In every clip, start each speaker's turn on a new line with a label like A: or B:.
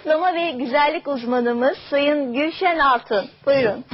A: zayıflama ve güzellik uzmanımız Sayın Gülşen Altun. Buyurun.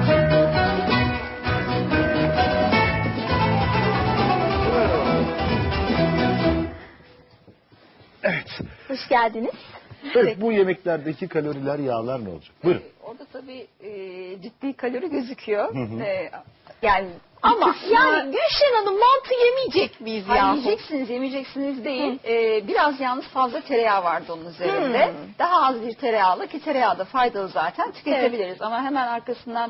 B: Evet.
A: Hoş geldiniz.
B: Evet, bu yemeklerdeki kaloriler, yağlar ne olacak? Buyurun.
C: Orada tabii ciddi kalori gözüküyor.
A: Yani ama yani Gülşen Hanım mantı yemeyecek miyiz ya?
C: Yemeyeceksiniz değil. Biraz yalnız fazla tereyağı vardı onun üzerinde. Daha az bir tereyağlı, ki tereyağı da faydalı zaten, tüketebiliriz. Ama hemen arkasından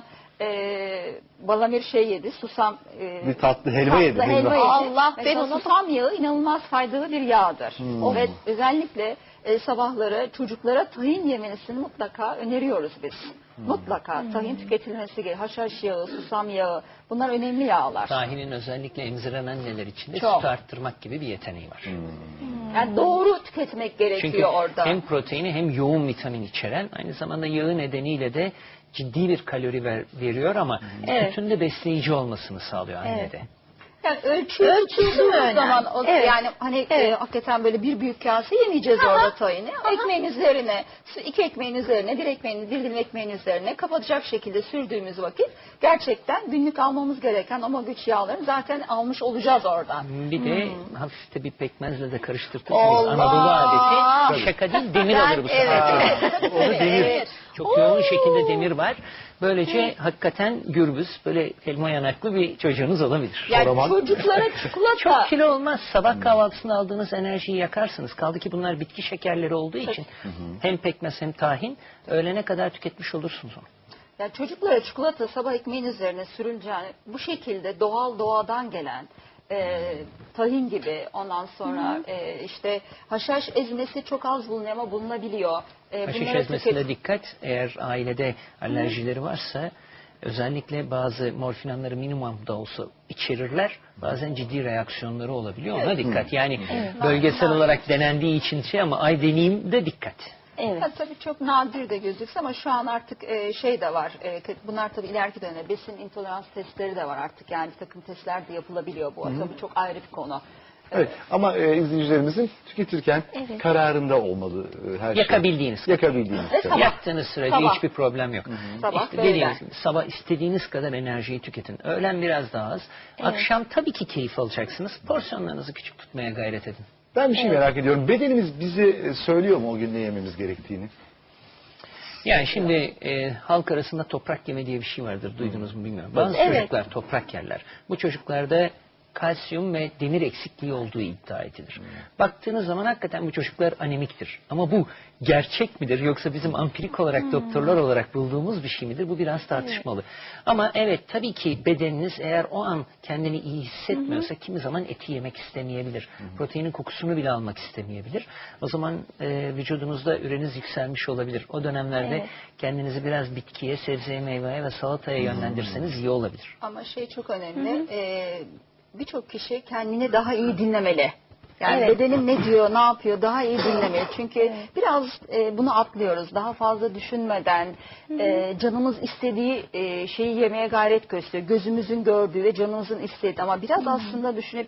C: Balamir yedi, susam
B: bir tatlı helva yedi.
A: Allah, ben
C: ona susam yağı inanılmaz faydalı bir yağdır. Ve özellikle sabahları çocuklara tahin yemesini mutlaka öneriyoruz biz. Mutlaka tahin tüketilmesi gerekiyor. Haşhaş yağı, susam yağı, bunlar önemli yağlar.
D: Tahinin özellikle emziren anneler için de
C: Çok.
D: süt arttırmak gibi bir yeteneği var.
C: Yani doğru tüketmek gerekiyor
D: Çünkü
C: orada.
D: hem proteini hem yoğun vitamin içeren, aynı zamanda yağı nedeniyle de ciddi bir kalori veriyor ama sütün de besleyici olmasını sağlıyor annede.
C: Yani ölçüldüğü zaman yani hani hakikaten böyle bir büyük kase yemeyeceğiz orada tayini. Ekmeğin üzerine, iki ekmeğin üzerine, bir dilim ekmeğin üzerine kapatacak şekilde sürdüğümüz vakit gerçekten günlük almamız gereken omega 3 yağlarını zaten almış olacağız oradan.
D: Bir de hafif de bir pekmezle de karıştırtırsınız. Anadolu adeti. Şaka değil, demir alır bu sefer. Orada demir. Çok yoğun şekilde demir var. Böylece hakikaten gürbüz, böyle elma yanaklı bir çocuğunuz olabilir.
C: Yani çocuklara çikolata...
D: Çok kilo olmaz. Sabah kahvaltısında aldığınız enerjiyi yakarsınız. Kaldı ki bunlar bitki şekerleri olduğu için hem pekmez hem tahin, öğlene kadar tüketmiş olursunuz onu.
C: Yani çocuklara çikolata sabah ekmeğin üzerine sürüleceğini, bu şekilde doğadan gelen tahin gibi, ondan sonra işte haşhaş ezmesi çok az bulunuyor ama bulunabiliyor.
D: Haşhaş ezmesine dikkat. Eğer ailede alerjileri varsa özellikle bazı morfinanları minimum da olsa içerirler. Bazen ciddi reaksiyonları olabiliyor. Ona dikkat. Yani bölgesel olarak denendiği için ama ay deneyim de dikkat.
C: Evet. Tabii çok nadir de gözükse ama şu an artık de var. Bunlar tabii ileriki dönemde besin intolerans testleri de var artık. Yani bir takım testler de yapılabiliyor bu. Tabii çok ayrı bir konu.
B: Evet, ama izleyicilerimizin tüketirken kararında olmalı her şey.
D: Yakabildiğiniz kadar. Yaktığınız sürece hiçbir problem yok. Sabah istediğiniz kadar enerjiyi tüketin. Öğlen biraz daha az. Akşam tabii ki keyif alacaksınız. Porsiyonlarınızı küçük tutmaya gayret edin.
B: Ben bir şey merak ediyorum. Bedenimiz bize söylüyor mu o gün ne yememiz gerektiğini?
D: Yani şimdi halk arasında toprak yeme diye bir şey vardır. Duydunuz mu bilmiyorum. Bazı çocuklar toprak yerler. Bu çocuklarda kalsiyum ve demir eksikliği olduğu iddia edilir. Baktığınız zaman hakikaten bu çocuklar anemiktir. Ama bu gerçek midir yoksa bizim ampirik olarak doktorlar olarak bulduğumuz bir şey midir? Bu biraz tartışmalı. Ama evet, tabii ki bedeniniz eğer o an kendini iyi hissetmiyorsa kimi zaman eti yemek istemeyebilir. Proteinin kokusunu bile almak istemeyebilir. O zaman vücudunuzda üreniz yükselmiş olabilir. O dönemlerde kendinizi biraz bitkiye, sebzeye, meyveye ve salataya yönlendirseniz iyi olabilir.
C: Ama çok önemli. Birçok kişi kendini daha iyi dinlemeli. Yani bedenim ne diyor, ne yapıyor, daha iyi dinlemeli. Çünkü biraz bunu atlıyoruz. Daha fazla düşünmeden canımız istediği şeyi yemeye gayret gösteriyor. Gözümüzün gördüğü ve canımızın istediği. Ama biraz aslında düşünüp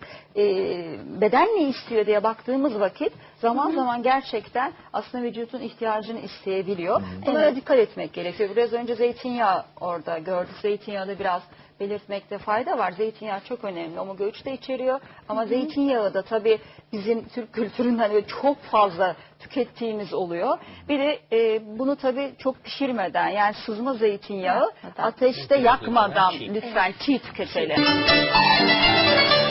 C: beden ne istiyor diye baktığımız vakit zaman zaman gerçekten aslında vücudun ihtiyacını isteyebiliyor. Bunlara dikkat etmek gerekiyor. Biraz önce zeytinyağı orada gördük. Zeytinyağı da biraz belirtmekte fayda var. Zeytinyağı çok önemli. Omega 3 de içeriyor. Ama zeytinyağı da tabii bizim Türk kültüründen çok fazla tükettiğimiz oluyor. Bir de bunu tabii çok pişirmeden, yani sızma zeytinyağı ateşte yakmadan lütfen çiğ tüketelim.